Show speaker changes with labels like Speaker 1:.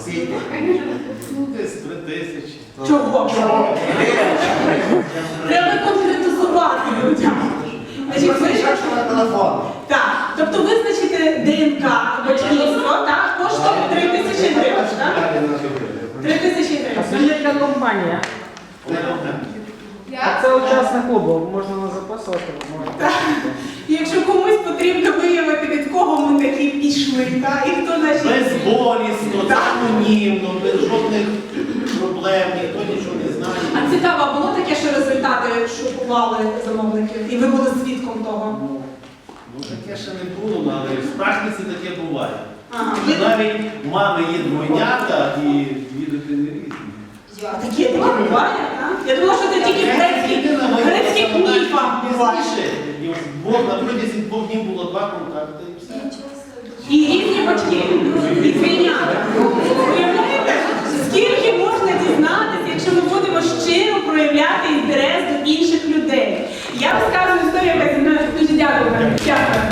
Speaker 1: Скільки?
Speaker 2: Ну, десь 3000.
Speaker 3: Чого? Треба конкретизувати людям. Значить, ви...
Speaker 1: на телефон.
Speaker 3: Так, тобто визначити ДНК батьківство, так, коштує 3000 гривень, так? 3000
Speaker 4: А
Speaker 3: гривень.
Speaker 4: скажіть, яка компанія? А це учасник клубу, можна не записувати, можна.
Speaker 3: І якщо комусь потрібно виявити, від кого ми такі пішли, так, і хто наші...
Speaker 2: Безболісно, анонімно, без жодних проблем, ніхто нічого не знає.
Speaker 3: А цікаво, було таке, що результати шокували замовників, і ви були свідком того?
Speaker 2: Ну, таке ще не було, але в практиці таке буває.
Speaker 3: Ага.
Speaker 2: Навіть мами є двойнята і дві дитини різні.
Speaker 3: Таке буває, так? Я думала, що це тільки грецьких міфах буває.
Speaker 2: Бог на протязі 2 днів було 2 контакти і все.
Speaker 3: І різні батьки, і двійнята. Уявляєте, скільки можна дізнатися, якщо ми будемо щиро проявляти інтерес до інших людей? Я розказую історію, яка зі мною дуже дякую.